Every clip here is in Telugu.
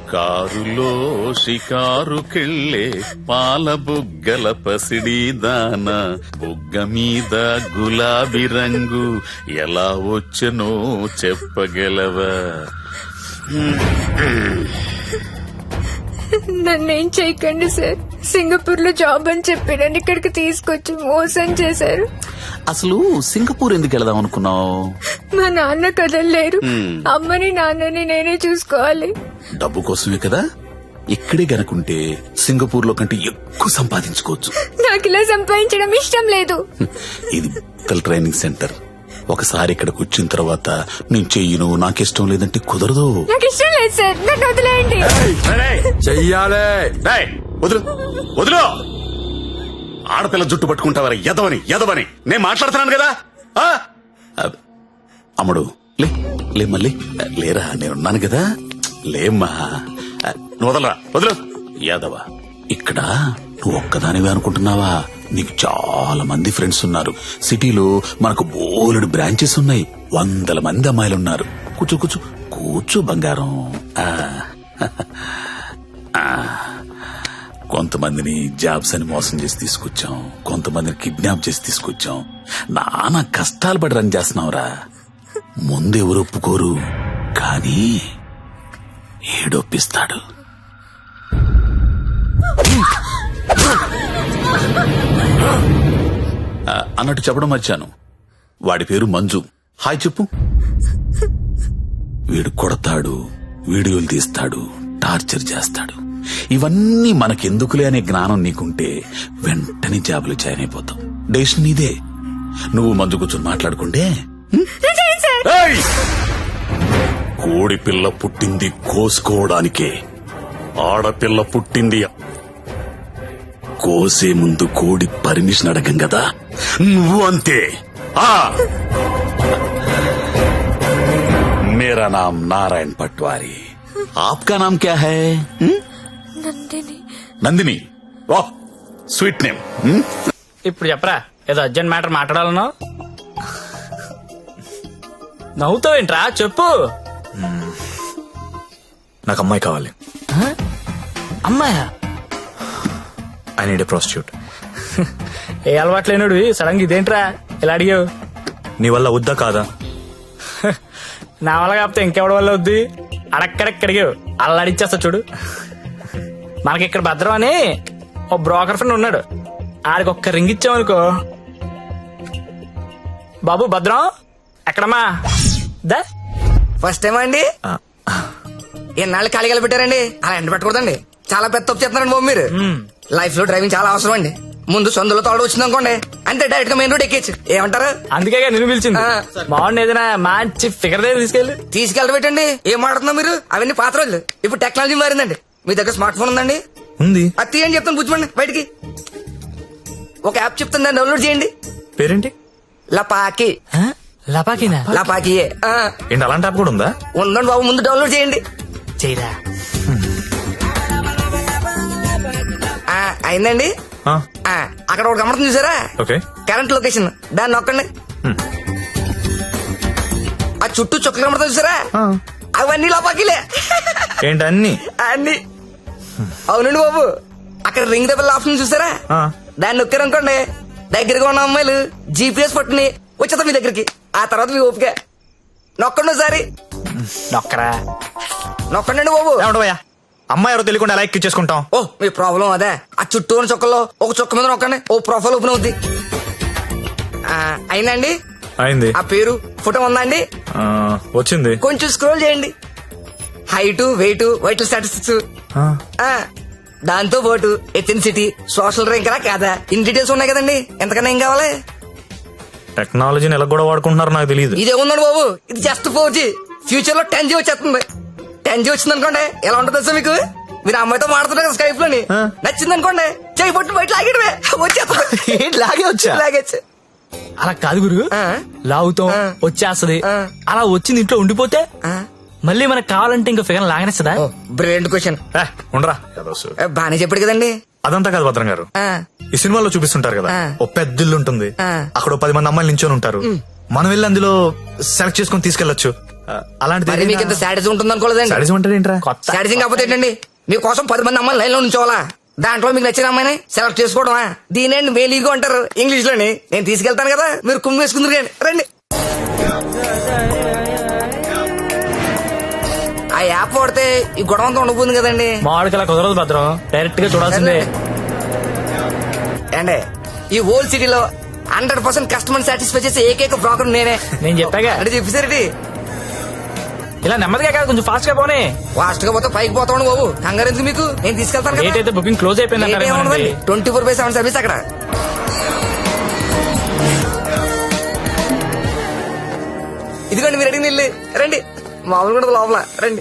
కారులో షికారుకెళ్ళే పాల బుగ్గల పసిడి దాన బుగ్గ మీద గులాబీ రంగు ఎలా వచ్చనో చెప్పగలవా? నన్నేం చేయకండి సార్. సింగపూర్ లో జాబ్ అని చెప్పి నన్ను ఇక్కడికి తీసుకొచ్చి మోసం చేశారు. అసలు సింగపూర్ ఎందుకు వెళదాం అనుకున్నావు? మా నాన్న కదలలేరు. అమ్మని నాన్నని నేనే చూసుకోవాలి. డబ్బు కోసమే కదా. ఇక్కడే గనుకుంటే సింగపూర్ లో కంటే ఎక్కువ సంపాదించుకోవచ్చు. నాకు ఇలా సంపాదించడం ఇష్టం లేదు. ఇది ట్రైనింగ్ సెంటర్. ఒకసారి ఇక్కడికి వచ్చిన తర్వాత నేను చెయ్యను, నాకిష్టం లేదంటే కుదరదు. నాకు ఇష్టం లేదు సార్, నన్ను వదిలేయండి. చెయ్యాలే. వదులు వదులు. ఆడపిల్ల జుట్టు పట్టుకుంటావరా ఎదవని నేను మాట్లాడుతున్నాను కదా. అమ్ముడు లే మళ్ళీ లేరా, నేనున్నాను కదా. లేమ్మా, నువ్వు వదలరా, వదులు. యాదవ, ఇక్కడ నువ్వు ఒక్కదానివే అనుకుంటున్నావా? నీకు చాలా మంది ఫ్రెండ్స్ ఉన్నారు. సిటీలో మనకు బోలెడు బ్రాంచెస్ ఉన్నాయి. 100 మంది అమ్మాయిలున్నారు. కూర్చో కూర్చో కూర్చో బంగారం. కొంతమందిని జాబ్స్ అని మోసం చేసి తీసుకొచ్చాం, కొంతమందిని కిడ్నాప్ చేసి తీసుకొచ్చాం. నానా కష్టాలు పడి రన్ చేస్తున్నావురా. ముందు ఎవరు ఒప్పుకోరు, కానీ ఏడొప్పిస్తాడు. అన్నట్టు చెప్పడం మర్చాను, వాడి పేరు మంజు. హాయ్ చెప్పు. వీడు కొడతాడు, వీడియోలు తీస్తాడు, టార్చర్ చేస్తాడు. ఇవన్నీ మనకెందుకులే అనే జ్ఞానం నీకుంటే వెంటనే జాబులు జాయిన్ అయిపోతాం. డెసిషన్ నీదే. నువ్వు మంజు కూర్చొని మాట్లాడుకుంటే. కోడి పిల్ల పుట్టింది కోసుకోవడానికే, ఆడపిల్ల పుట్టింది కోసే ముందు కోడి పర్మిషన్ అడగం కదా. నువ్వు అంతే. मेरा नाम नारायण पटवारी, आपका नाम क्या है? నందిని. నందిని, వాహ్ స్వీట్ నేమ్. ఇప్పుడు చెప్పరా, ఏదో అర్జెంట్ మ్యాటర్ మాట్లాడాలన్నావు. నవ్వుతావేంట్రా, చెప్పు. నాకు అమ్మాయి కావాలి. అమ్మాయా? I need a prostitute. ఏ అలవాటు లేనుడు సడన్ గా ఇదేంట్రా ఇలా అడిగావు? నీ వల్ల వద్దా కాదా? నా వల్ల కాకపోతే ఇంకెవడి వల్ల వద్ది? అడక్కడెక్కడిగావు, అలా అడిచేస్తా చూడు. మనకి ఇక్కడ భద్రం అని ఓ బ్రోకర్ ఫ్రెండ్ ఉన్నాడు. ఆడికి ఒక్క రింగ్ ఇచ్చామనుకో. బాబు భద్రం ఎక్కడమ్మా? దా ఫస్ట్ టైం అండి. ఎన్నాళ్ళు ఖాళీగా పెట్టారండి, అలా ఎండ పెట్టకూడదండి. చాలా పెద్ద తప్పు చేస్తున్నారండి బాబు మీరు. లైఫ్ లో డ్రైవింగ్ చాలా అవసరం అండి. ముందు సొందులో తోడు వచ్చింది అనుకోండి, అంతే డైరెక్ట్ గా మెయిన్ రోడ్ ఎక్కేచ్చు. ఏమంటారు? అందుకే నిన్ను పిలిచింది. బాగుంది, ఏదైనా మంచి ఫిగర్ దగ్గర తీసుకెళ్ళబెట్టండి. ఏం మాట్లాడుతున్నా మీరు? అవన్నీ పాత రోజులు. ఇప్పుడు టెక్నాలజీ మారిందండి. మీ దగ్గర స్మార్ట్ ఫోన్ ఉందండి? ఉంది. అది తీయండి చెప్తాను, పుచ్చుకోండి బయటికి. ఒక యాప్ చెప్తాను, దాన్ని డౌన్లోడ్ చేయండి. పేరేంటి? లపాకి. లపాకినా? లపాకియే. ఏంటి అలాంటి యాప్ కూడా ఉందా? ఉందండి బాబు, ముందు డౌన్లోడ్ చేయండి. చేయరా. అయిందండి. అక్కడ ఒక గమనం చూసారా? ఓకే. కరెంట్ లొకేషన్, దాన్ని నొక్కండి. ఆ చుట్టూ చుక్కలు కనబడతా చూసారా? అవన్నీ లోపాకిలే. ఏంటి అన్ని? అన్ని. అవునండి బాబు, అక్కడ రింగ్ ద బెల్ ఆప్షన్ చూసారా? దాన్ని నొక్కారనుకోండి, దగ్గరగా ఉన్న అమ్మాయిలు జీపీఎస్ పట్టుని వచ్చేస్తా మీ దగ్గరికి. ఆ తర్వాత మీ ఓపిక. నొక్కండి ఒకసారి. నొక్కరా. నొక్కండి బాబు. ఏమంటావయ్యా, అమ్మాయి ఎవరో తెలియకుండా ఎలా ఎక్కించేసుకుంటాం? ఓ మీ ప్రాబ్లం అదే. ఆ చుట్టూ ఉన్న చుక్కల్లో ఒక చుక్క మీద నొక్కండి, ఓ ప్రొఫైల్ ఓపెన్ అవుద్ది. అయిందండి. అయింది. ఆ పేరు ఫోటో ఉందా అండి? వచ్చింది. కొంచెం స్క్రోల్ చేయండి. హైట్, వెయిట్, వైటల్ స్టాటిస్టిక్స్, దాంతో పాటు ఎథెన్సిటీ, సోషల్ ర్యాంక్ రా కాదా, ఇన్ డీటెయిల్స్ ఉన్నాయి కదండి. ఎంతకన్నా ఏం కావాలి? టెక్నాలజీని ఎలా కూడా వాడుకుంటున్నారు నాకు తెలియదు. ఇదే ఉందండి బాబు, ఇది జస్ట్ 4G. ఫ్యూచర్ లో 10G వచ్చేస్తుంది. 10G వచ్చింది అనుకోండి, ఎలా ఉంటుంది సార్ మీకు? మీరు అమ్మాయితో మాడుతున్నారు కదా స్కైప్ లోని, నచ్చింది అనుకోండి, చేయి పట్టు బయట లాగేయడమే, వచ్చేస్తుంది. లాగేచ్చు. అలా కాదు గురు, లాగుతాం వచ్చేస్తది. అలా వచ్చింది ఇంట్లో ఉండిపోతే మళ్ళీ మనకు కావాలంటే ఇంకా ఫిగర్ లాగనేస్తుందా? Brilliant question. ఉండరా, బానే చెప్పాడు కదండి. అదంతా కాదు భద్రం గారు, ఈ సినిమాలో చూపిస్తుంటారు కదా, ఓ పెద్ద ఇల్లు ఉంటుంది, అక్కడ 10 మంది అమ్మాయిలు నించొని ఉంటారు. మనం వెళ్ళి అందులో సెలెక్ట్ చేసుకుని తీసుకెళ్లొచ్చు. అలాంటిది మరి మీకు ఇంత శాడిజం ఉంటుంది అనుకోలేదండి. సాడిజం అంటే ఏంట్రా? కొత్త శాడిజం కాకపోతే ఏంటండి, మీకోసం 10 మంది అమ్మాయిలు లైన్ లో ఉంచోవాలా, దాంట్లో మీకు నచ్చిన అమ్మాయిని సెలెక్ట్ చేసుకోవడమా? దీనేండి మేలీగో అంటారు ఇంగ్లీష్ లోని. నేను తీసుకెళ్తాను కదా, మీరు కుమ్మి వేసుకుందరు కానీ రండి. ఆ యాప్ వాడితే ఈ గొడవ అంతా ఉండబోతుంది కదండి. మామిడికి అలా కుదరదు భద్రం, డైరెక్ట్ గా చూడాల్సిందే. అండి ఈ ఓల్డ్ సిటీలో 100% కస్టమర్ సాటిస్ఫై చేసే ఏకైక బ్రోకర్ నేనే. నేను చెప్పాగా అంటే చెప్పేసరికి ఇలా నెమ్మదిగా కాదు, కొంచెం ఫాస్ట్ గా పోనీ. ఫాస్ట్ గా పోతే పైకి పోతాను బాబు, కంగారు ఎందుకు మీకు, నేను తీసుకెళ్తాను డేట్ అయితే బుకింగ్ క్లోజ్ అయిపోయింది అంటారు. 24/7 సర్వీస్ అక్కడ. ఇదిగోండి మీరు అడిగిన ఇల్లు, రండి. మామూలు కూడా లోపల రండి.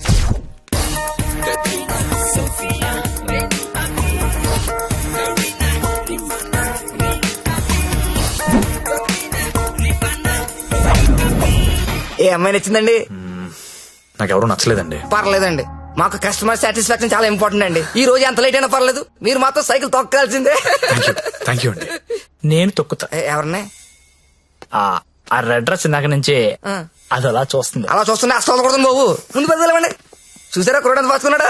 ఏ అమ్మాయి నచ్చిందండి? నాకెవరూ నచ్చలేదండి. పర్లేదండి, మాకు కస్టమర్ సాటిస్ఫాక్షన్ చాలా ఇంపార్టెంట్ అండి. ఈ రోజు ఎంత లేట్ అయినా పర్లేదు, మీరు మాత్రం సైకిల్ తొక్కాల్సిందే. థ్యాంక్ యూ అండి. నేను తొక్కుతా. ఎవరిని? ఆ రెడ్ డ్రెస్ ఇందాక నుంచి అది అలా చూస్తుంది. అలా చూస్తుంటే అస్సలు కొడుతుంది బాబు, ముందు పెద్దలేమండి. చూసారా కురడానికి పాసుకున్నాడా?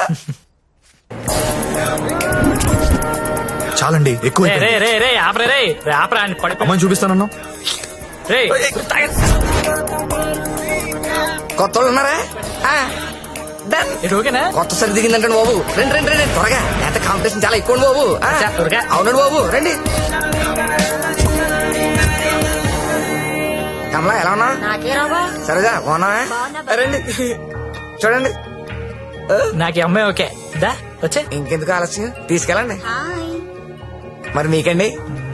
చాలండి, ఎక్కువ రే రే రే రే ఆపరే రే రే ఆపరా అని పడిపో. అమ్మాయిని చూపిస్తానన్నా. రే కొత్త వాళ్ళు ఉన్నారా? Done. ఇది ఓకేనా? కొత్త సరి దిగిందంటే బాబు, రండి రండి రండి త్వరగా. ఎంత కాంపిటీషన్ చాలా ఎక్కువ బాబు. త్వరగా. అవునండి బాబు, రండి. కమలా ఎలా ఉన్నా? సరేగా బాగున్నా? రండి చూడండి. నాకు ఈ అమ్మాయి ఓకే. దా వచ్చే. ఇంకెందుకు ఆలస్యం, తీసుకెళ్ళండి. మరి మీకండి?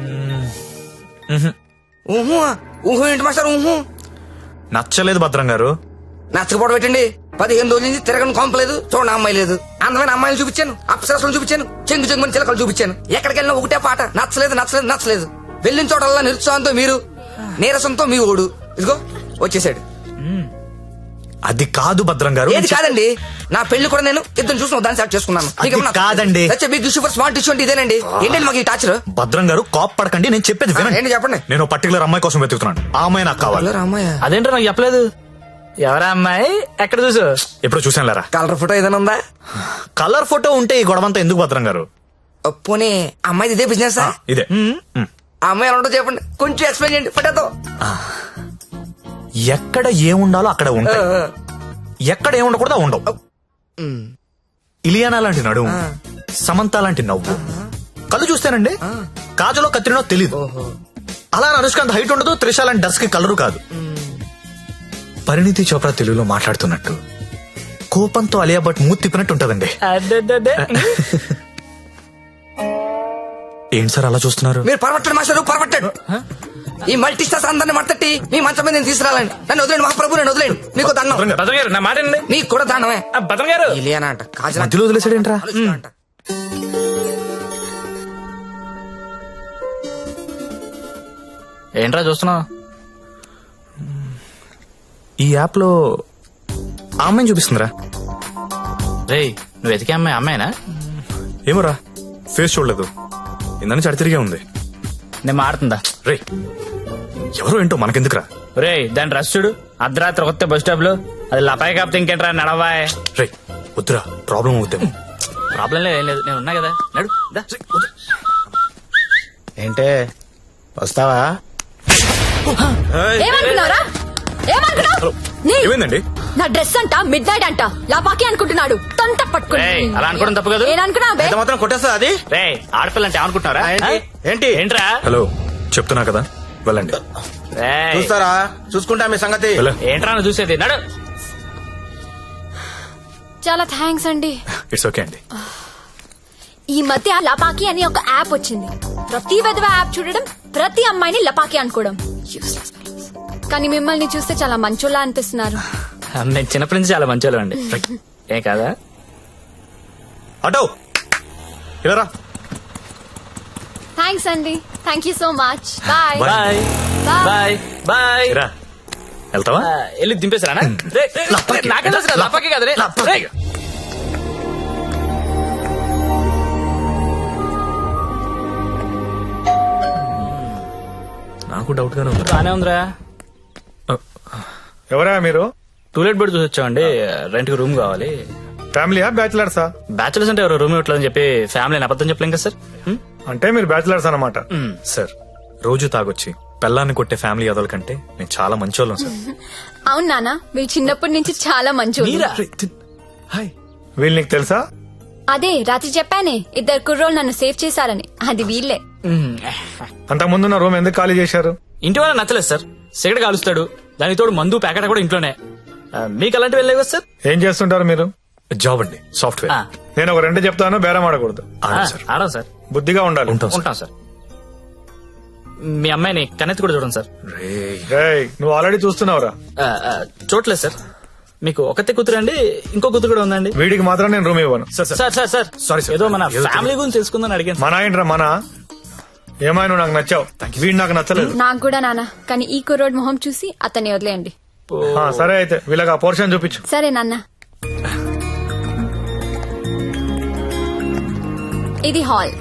ఊహు ఊహు ఏంటి మాస్టర్ ఊహు? నచ్చలేదు భద్రం గారు. నచ్చకపోవడం పెట్టండి. 15 రోజుల నుంచి తిరగని కొంపలేదు, చూడండి అమ్మాయి లేదు. అందమైన అమ్మాయిలు చూపించాను, అప్సరసలు చూపించాను, చెంగు చెంగుని చిలకలు చూపించాను. ఎక్కడికి వెళ్ళినా ఒకటే పాట, నచ్చలేదు నచ్చలేదు నచ్చలేదు. వెళ్ళిన చోటల్లా నిరుత్సాహంతో మీరు, నీరసంతో మీ ఓడు. ఇదిగో వచ్చేసాడు. అది కాదు భద్రం గారు. ఏది కాదండి, నా పెళ్లి కూడా నేను ఇద్దరు చూసిన దాన్ని సెలెక్ట్ చేసుకున్నాను. అది కాదండి. Big issue for smart issue అంటే ఇదేనండి. ఏంటండి మాకు ఈ టాచర్? భద్రం గారు కోప్ పడకండి, నేను చెప్పేది వినండి. ఏంటి చెప్పండి. నేను పర్టికులర్ అమ్మాయి కోసం వెతుకుతున్నాను. ఆ అమ్మాయి నాకు కావాలి. రామయ్య అదేంటో నాకు చెప్పలేదు. ఎవరా అమ్మాయి? ఎక్కడ చూసు? ఎప్పుడు చూసాను లేరా. కలర్ ఫోటో ఏదైనా ఉందా? కలర్ ఫోటో ఉంటే ఈ గొడవంతా ఎందుకు భద్రం గారు? పోనీ అమ్మాయిది ఇదే బిజినెస్? ఇదే. ఆ అమ్మాయి ఎలా ఉంటుందో చెప్పండి, కొంచెం ఎక్స్ప్లెయిన్ చేయండి ఫోటోతో. ఎక్కడ ఏముండాలో అక్కడ ఉంటాయి, ఎక్కడ ఏముండకూడదు ఉండవు. ఇలియానా లాంటి నడుము, సమంత లాంటి నవ్వు, కళ్ళు చూస్తేనండి కాజలో కత్తిరినో తెలీదు. అలా అనుష్కాంత్ హైట్ ఉండదు, త్రిష లాంటి డస్ కి కలరు కాదు. పరిణితి చోప్రా తెలుగులో మాట్లాడుతున్నట్టు, కోపంతో అలియా భట్ మూతి తిప్పినట్టు ఉంటదండి. అదే ఏంటి సార్ అలా చూస్తున్నారు? మీరు పరమట్టడు మాస్టర్, పరమట్టడు. ఈ మల్టీ స్టార్స్ అందరిని మట్టట్టి మీ మంచం మీద నేను తీసుకురాలండి. నన్ను వదిలేండి మహాప్రభు, నన్ను వదిలేండి. మీకు దండం. భద్రం గారు నా మాట వినండి. నీకు కూడా దండమే. భద్రం గారు ఇలియానా అంట, కాజల్ మధ్యలో వదిలేసాడేంట్రా? అంట. ఏంట్రా చూస్తున్నావు? ఈ యాప్ లో ఆ అమ్మాయిని చూపిస్తుందిరా. రే నువ్వు వెతికే అమ్మాయి అమ్మాయినా? ఏమోరా, ఫేస్ చూడలేదు, ఇందని చడి తిరిగే ఉంది. నేను మాడుతుందా? రే ఎవరో ఏంటో మనకెందుకురా. రే దాని డ్రెస్ చూడు, అర్ధరాత్రి కొత్త బస్ స్టాప్ లో. అది లపాయి కాపుతే ఇంకేంట్రా నడవాయ్. రే వద్దురా, ప్రాబ్లం అవుతాము. ప్రాబ్లం లేదు, ఏం లేదు, నేను ఉన్నా కదా. నడు దా. ఏంటే వస్తావా? ఏమనుకున్నారా? ఏమనుకున్నావు? ఏమైందండి? నా డ్రెస్ అంట మిడ్ నైట్ అంట లాపాకి అనుకుంటున్నాడు. తొంత పట్టుకుని రేయ్, అలా అనుకోవడం తప్పు కాదు. ఏమనుకున్నా ఎంత మాత్రం కొట్టేస్తా అది? రే ఆడపిల్ల అంటే అనుకుంటున్నారా? ఏంటి? ఏంట్రా? హలో చెప్తున్నా కదా, వెళ్ళండి. రేయ్, చూస్తారా? చూసుకుంటా మీ సంగతి. వెళ్ళ. ఏంట్రా నువ్వు చూసేది? నడు. చాలా థ్యాంక్స్ అండి. ఇట్స్ ఓకే అండి. ఈ మధ్య లపాకి అని ఒక యాప్ వచ్చింది. ప్రతి విధవ యాప్ చూడడం, ప్రతి అమ్మాయిని లపాకి అనుకోవడం. Useless fellows. కానీ మిమ్మల్ని చూస్తే చాలా మంచోళ్ళ అనిపిస్తున్నారు. నేను చిన్నప్పటి నుంచి చాలా మంచి అండి. ఏ కాదా? అటో ఇలా థ్యాంక్స్ అండి. Thank you so much. Bye bye bye bye. రా. వెళ్తావా? వెళ్ళి దింపేసారా? నాకే తెలుసు కదా, లపాకి కదా రే. రేయ్. నాకు డౌట్ గానే ఉంది. బానే ఉందిరా. ఎవరా మీరు? టూలెట్ బెడ్ చూసి వచ్చామండి. రెంట్ కి రూమ్ కావాలి. ఫ్యామిలీయా బ్యాచిలర్సా? బ్యాచులర్స్ అంటే ఎవరు రూమ్ ఇవ్వట్లేదని చెప్పి ఫ్యామిలీ అబద్ధం చెప్పలేం కదా సార్. అంటే మీరు బ్యాచిలర్స్ అన్నమాట. సార్ రోజు తాగొచ్చి పెళ్ళాన్ని కొట్టే ఫ్యామిలీ అదల కంటే నేను చాలా మంచోళ్ళం సార్. అవును నాన్న, మీరు చిన్నప్పటి నుంచి చాలా మంచి. హాయ్, వీళ్ళు నీకు తెలుసా? అదే రాత్రి చెప్పానే, 2 కుర్రోళ్ళు నన్ను సేవ్ చేశారని. అది వీళ్ళే. అంతకు ముందున్న రూమ్ ఎందుకు ఖాళీ చేశారు? ఇంటి వాళ్ళ నచ్చలేదు సార్. సిగరెట్ కాలుస్తాడు, దానికి తోడు మందు ప్యాకెట్ కూడా ఇంట్లోనే. మీకు అలాంటివి వెళ్ళలేవు కదా సార్. ఏం చేస్తుంటారు మీరు? జాబ్ అండి, సాఫ్ట్వేర్. నేను ఒక 2 చెప్తాను, బేరం ఆడకూడదు. ఆడం సార్. బుద్ధిగా ఉండాలి. ఉంటాం సార్. మీ అమ్మాయిని కన్నెత్తి కూడా చూడండి సార్. రేయ్, నువ్వు ఆల్రెడీ చూస్తున్నావురా. చూడలేదు సార్. మీకు ఒకతే కూతురు అండి, ఇంకో కూతురు కూడా ఉందండి. వీడికి మాత్రం నేను రూమ్ ఇవ్వను. సార్ సారీ, ఏదో మన ఫ్యామిలీ గురించి తెలుసుకుందని అడిగాను. మన ఏంట్రా మన? ఏమైనా నువ్వు నాకు నచ్చావు, వీడు నాకు నచ్చలేదు. నాకు కూడా నాన్న, కానీ ఈ కుర్రోడ్ మొహం చూసి అతన్ని వదిలేయండి. సరే అయితే వీళ్ళకి ఆ పోర్షన్ చూపించు. సరే నాన్న. ఇది హాల్,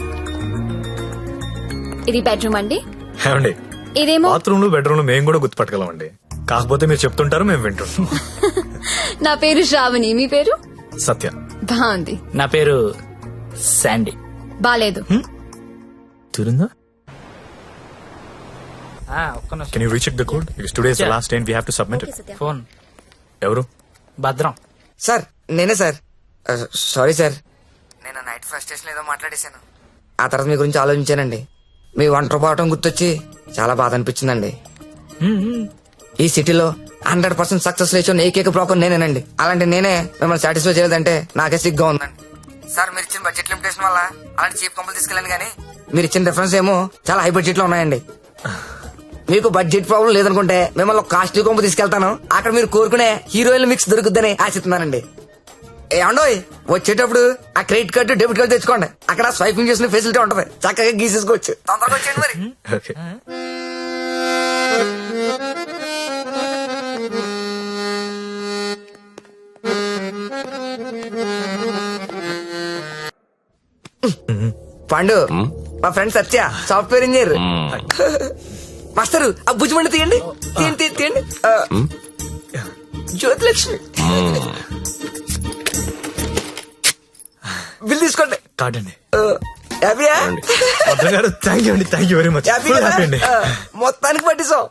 ఇది బెడ్రూమ్ అండి. ఏమండి, ఇదేమో బాత్రూమ్ లో బెడ్రూమ్ లో మేము కూడా గుర్తుపట్టగలమండి. కాకపోతే మీరు చెప్తుంటారు, మేము వింటుంటాం. నా పేరు శ్రావణి, మీ పేరు? సత్య. బాగుంది. నా పేరు శాండీ. బాలేదు. తిరుందా? ఒక్క నిమిషం. Can you recheck the code? Because today is the last day and we have to submit it. ఫోన్ ఎవరు? భద్రం. సార్ నేనే సార్. సారీ సార్, నేను నైట్ ఫ్రస్ట్రేషన్ ఏదో మాట్లాడేశాను. ఆ తర్వాత మీ గురించి ఆలోచించానండి. మీ ఒంటరి పోవటం గుర్తొచ్చి చాలా బాధ అనిపించిందండి. ఈ సిటీలో 100% సక్సెస్ లేచిన ఏకైక బ్రోకర్ నేనేనండి. అలాంటి నేనే మిమ్మల్ని సాటిస్ఫై చేయలేదంటే నాకే సిగ్గా ఉందండి. సార్ మీరు ఇచ్చిన బడ్జెట్ లిమిటేషన్ వల్ల అలాంటి చీప్ కంపెనీ తీసుకెళ్ళండి, కానీ మీరు ఇచ్చిన రిఫరెన్స్ ఏమో చాలా హై బడ్జెట్ లో ఉన్నాయండి. మీకు బడ్జెట్ ప్రాబ్లం లేదనుకుంటే మిమ్మల్ని కాస్ట్లీ కొంపు తీసుకెళ్తాను. అక్కడ మీరు కోరుకునే హీరోయిన్ మిక్స్ దొరుకుద్దని ఆశిస్తున్నానండి. ఏమండోయ్, వచ్చేటప్పుడు ఆ క్రెడిట్ కార్డు డెబిట్ కార్డు తెచ్చుకోండి. అక్కడ స్వైపింగ్ చేసిన ఫెసిలిటీ ఉంటది, చక్కగా గీసేసుకోవచ్చు. తొందరగా వచ్చేయండి మరి. Okay. పండు, మా friend Satya, software engineer. Master ఆ భుజమండి తీయండి, తీయండి తీయండి. జ్యోతిలక్ష్మి బిల్ తీసుకోండి. కాదండి. హ్యాపీయా? థ్యాంక్ యూ అండి, thank you very much. Happy అండి. మొత్తానికి పట్టిస్తాం.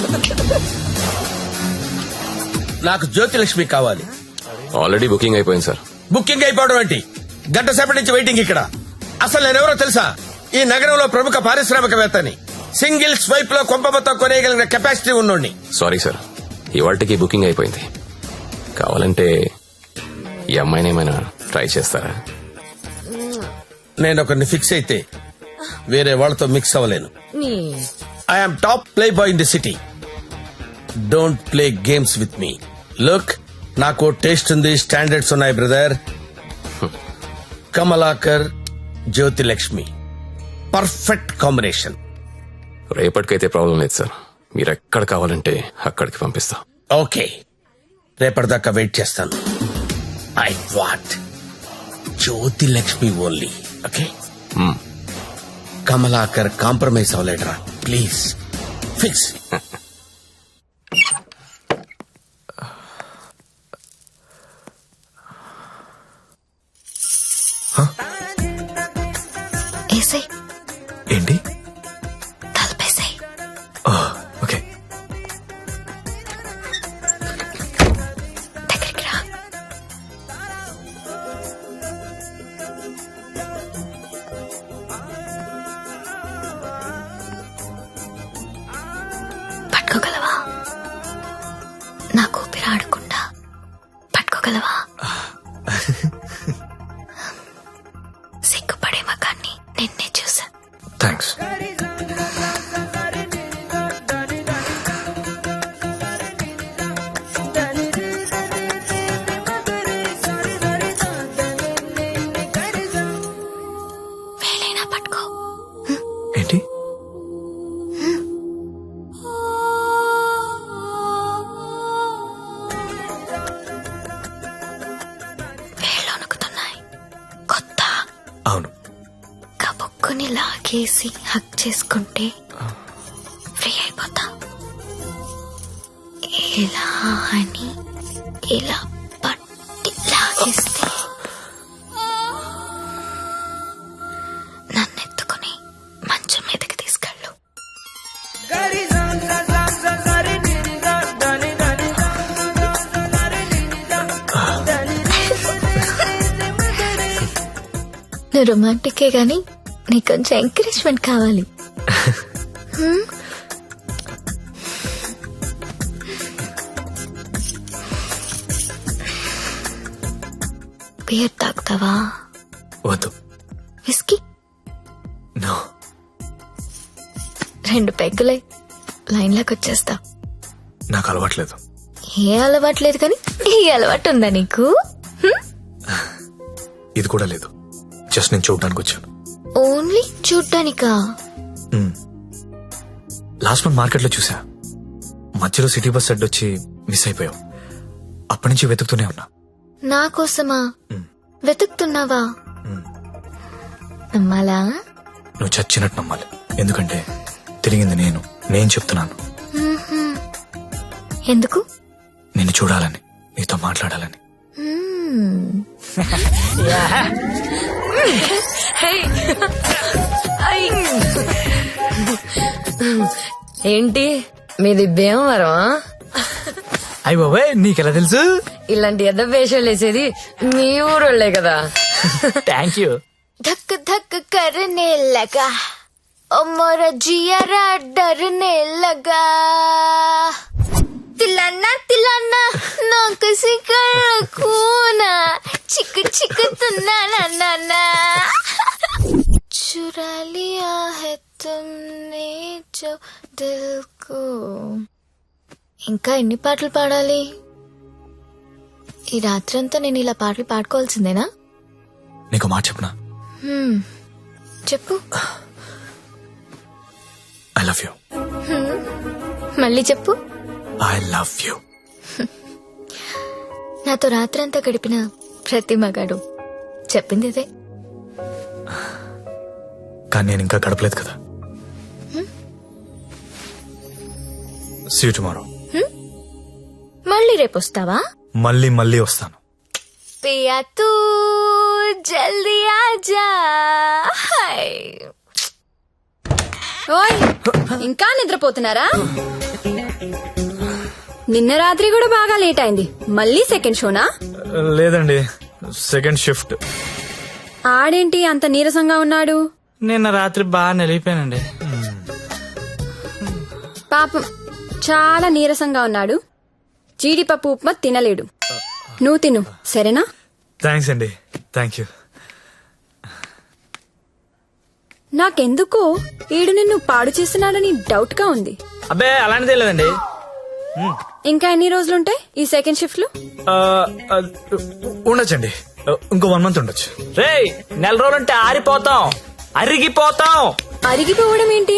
నాకు జ్యోతిలక్ష్మి కావాలి. ఆల్రెడీ బుకింగ్ అయిపోయింది సార్. బుకింగ్ అయిపోవడం ఏంటి? గంట సేపటి నుంచి వెయిటింగ్ ఇక్కడ. అసలు నేనెవరో తెలుసా? ఈ నగరంలో ప్రముఖ పారిశ్రామికవేత్తని. సింగిల్ స్వైప్ లో కొంప మొత్తం కొనేయగలిగిన కెపాసిటీ ఉన్నోడిని. సారీ సార్, ఇవాళకి బుకింగ్ అయిపోయింది. కావాలంటే ఈ అమ్మాయిని ఏమైనా ట్రై చేస్తారా? నేను ఒకరిని ఫిక్స్ అయితే వేరే వాళ్ళతో మిక్స్ అవ్వలేను. I'm top playboy in the city. Don't play games with me. Look, నాకు టేస్ట్ ఉంది, స్టాండర్డ్స్ ఉన్నాయి brother. Kamalakar, Jyothilakshmi, perfect combination. రేపటికైతే ప్రాబ్లం లేదు సార్, మీరు ఎక్కడ కావాలంటే అక్కడికి పంపిస్తా. ఓకే, రేపటిదాకా వెయిట్ చేస్తాను. I want Jyothilakshmi only. Okay, Kamalakar compromise అవ్వలేడరా ప్లీజ్. ఫిక్స్. ఏసై ఏంటి? తలపేసాయి. ఓకే. దగ్గరికి రా. పట్టుకోగలవా? నాకు ఊపిరి ఆడకుండా పట్టుకోగలవా? సిగ్గుపడే మగాన్ని నిన్నే చూసా. థ్యాంక్స్. వేలైనా పట్టుకో. ఏంటి? వేళ్ళు వణుకుతున్నాయి. కొత్త అవును. కబుక్కుని లాగేసి హక్ చేసుకుంటే ఫ్రీ అయిపోతా. ఇలా అని ఇలా పట్టి లాగేస్తే నన్నెత్తుకుని మంచం మీదకి తీసుకెళ్ళు. నువ్వు రొమాంటికే గాని నీకు కొంచెం ఎంకరేజ్మెంట్ కావాలి. బియర్ తాగుతావా? వద్దు. విస్కీ? నో. 2 పెగ్గులై లైన్లోకి వచ్చేస్తా. నాకు అలవాట్లేదు. ఏ అలవాట్లేదు కానీ ఈ అలవాటు ఉందా నీకు? ఇది కూడా లేదు. జస్ట్ నేను చూడడానికి వచ్చాను. ఓన్లీ చూడ్డానికా? లాస్ట్ మంత్ మార్కెట్ లో చూసా. మధ్యలో సిటీ బస్ అడ్డొచ్చి మిస్ అయిపోయావు. అప్పటి నుంచి వెతుకుతూనే ఉన్నా. నా కోసమా వెతుకుతున్నావా? నమ్మాలా? నువ్వు చచ్చినట్టు నమ్మాలి. ఎందుకంటే తిరిగింది నేను చెప్తున్నాను. ఎందుకు? నిన్ను చూడాలని, నీతో మాట్లాడాలని. ఏంటి మీది భీమవరం? అయ్య బాబాయ్ నీకెలా తెలుసు? ఇలాంటి ఎద్ద వేషాలు వేసేది మీ ఊరోళ్లే కదా. Thank you. धक धक करने लगा ओ मोरा जियारा डरने लगा तिलाना तिलाना ना किसी कर खूना चिक चिक तुना ना ना ना चुरा लिया है तुमने जो दिल को. ఇంకా ఎన్ని పాటలు పాడాలి? ఈ రాత్రంతా నేను ఇలా పాటలు పాడుకోవాల్సిందేనా? నీకు మాట చెప్పనా? చెప్పు. I love you. మళ్ళీ చెప్పు. I love you. నాతో రాత్రంతా గడిపిన ప్రతి మగాడు చెప్పింది ఇదే. కానీ నేను ఇంకా గడపలేదు కదా. See you tomorrow. మళ్ళీ రేపు వస్తావా? మళ్ళీ వస్తాను. పియా తూ జల్దీ ఆజా. ఓయ్ ఇంకా నిద్రపోతున్నారా? నిన్న రాత్రి కూడా బాగా లేట్ అయింది. మళ్ళీ సెకండ్ షోనా? లేదండి, సెకండ్ షిఫ్ట్. ఆడేంటి అంత నీరసంగా ఉన్నాడు? నిన్న రాత్రి బాగా నలిగిపోయానండి. పాపం చాలా నీరసంగా ఉన్నాడు. జీడిపప్పు ఉప్మా తినలేడు. నువ్వు తిను సరేనా? థ్యాంక్స్ అండి. Thank you. నాకెందుకో ఈడు నిన్ను పాడు చేస్తున్నాడని డౌట్ గా ఉంది. అబ్బే అలాంటిదే లేదండి. ఇంకా ఎన్ని రోజులుంటాయి ఈ సెకండ్ షిఫ్ట్ లో? ఉండొచ్చండి, ఇంకో 1 month ఉండొచ్చు. రేయ్ 4 రోజులంటే ఆరిపోతాం, అరిగిపోతాం. అరిగిపోవడం ఏంటి?